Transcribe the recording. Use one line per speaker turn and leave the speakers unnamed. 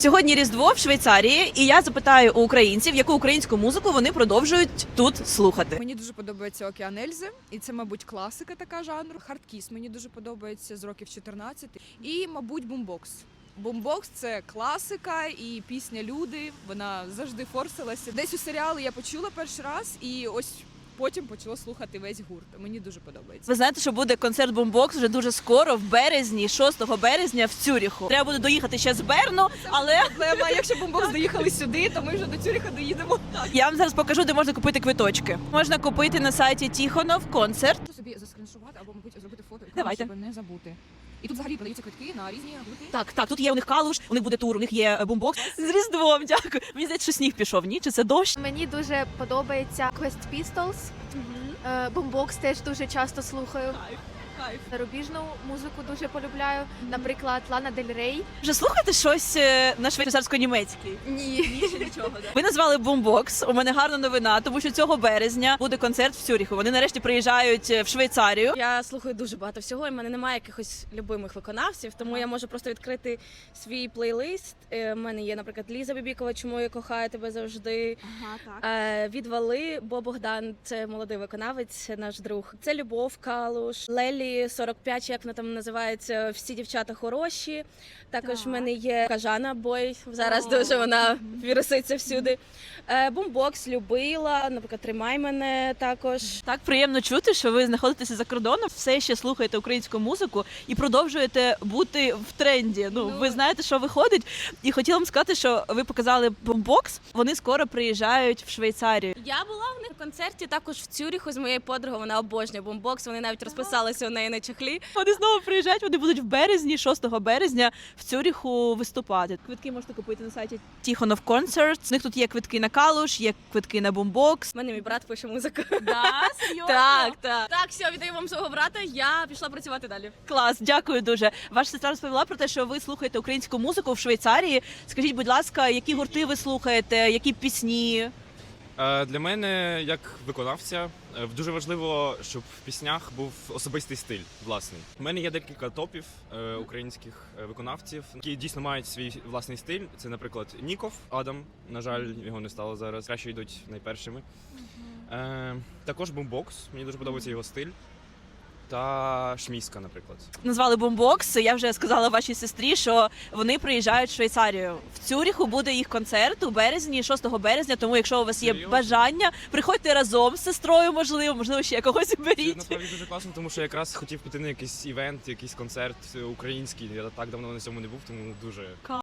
Сьогодні Різдво в Швейцарії, і я запитаю у українців, яку українську музику вони продовжують тут слухати.
Мені дуже подобається Океан Ельзи, і це, мабуть, класика така жанру. Хардкіс мені дуже подобається з років 14. І, мабуть, бумбокс. Бумбокс – це класика і пісня «Люди», вона завжди форсилася. Десь у серіалі я почула перший раз, і ось потім почала слухати весь гурт. Мені дуже подобається.
Ви знаєте, що буде концерт Бумбокс вже дуже скоро, в березні, 6 березня в Цюріху. Треба буде доїхати ще з Берну, але
Проблема, якщо Бумбокс доїхали сюди, то ми вже до Цюріха доїдемо.
я вам зараз покажу, де можна купити квиточки. Можна купити на сайті Тіхонов концерт.
Собі заскріншувати або, мабуть, зробити фото,
Давайте.
щоб не забути. І тут взагалі продаються квитки на різні гурти.
Так, тут є у них калуш, у них буде тур, у них є Бумбокс. З Різдвом, дякую. Мені здається, що сніг пішов, ні? Чи це дощ?
Мені дуже подобається Quest Pistols. Бумбокс теж дуже часто слухаю. Зарубіжну музику дуже полюбляю. Наприклад, Лана Дель Рей.
Вже слухаєте щось на швейцарсько-німецький?
Ні.
Ви назвали Бумбокс. У мене гарна новина, тому що цього березня буде концерт в Цюріху. Вони нарешті приїжджають в Швейцарію.
Я слухаю дуже багато всього, і в мене немає якихось любимих виконавців, тому я можу просто відкрити свій плейлист. У мене є, наприклад, Ліза Бібікова, «Чому я кохаю тебе завжди». Відвали, Бо Богдан, це молодий виконавець, наш друг. Це Любов Калуш, Лелі 45, як вона там називається, всі дівчата хороші. Також в мене є Кажана Бой, зараз дуже вона віруситься всюди. Бумбокс любила, наприклад, Тримай мене також.
Так приємно чути, що ви знаходитеся за кордоном, все ще слухаєте українську музику і продовжуєте бути в тренді. Ви знаєте, що виходить. І хотіла вам сказати, що ви показали Бумбокс. Вони скоро приїжджають в Швейцарію.
Я була в них на концерті також в Цюріху з моєю подругою, вона обожнює Бумбокс, вони навіть розписалися у неї на чехлі.
Вони знову приїжджають, вони будуть в березні, 6 березня в Цюріху виступати. Квитки можете купити на сайті Тіхонов Концерт. У них тут є квитки на Калуш, є квитки на Бумбокс.
У мене мій брат пише музику.
Да, серйозно?
Так. Так, все, віддаю вам свого брата, я пішла працювати далі.
Клас, дякую дуже. Ваша сестра розповіла про те, що ви слухаєте українську музику в Швейцарії. Скажіть, будь ласка, які гурти ви слухаєте, які пісні?
Для мене, як виконавця, дуже важливо, щоб в піснях був особистий стиль власний. У мене є декілька топів українських виконавців, які дійсно мають свій власний стиль. Це, наприклад, Ніков Адам. На жаль, його не стало зараз. Краще йдуть найпершими. Також Бумбокс. Мені дуже подобається його стиль. Та Шміська, наприклад.
Назвали Бумбокс. Я вже сказала вашій сестрі, що вони приїжджають в Швейцарію. В Цюріху буде їх концерт у березні, 6 березня. Тому, якщо у вас є бажання, приходьте разом з сестрою, можливо, ще когось
Це
беріть.
насправді дуже класно, тому що якраз хотів піти на якийсь івент, якийсь концерт український. Я так давно на цьому не був, тому дуже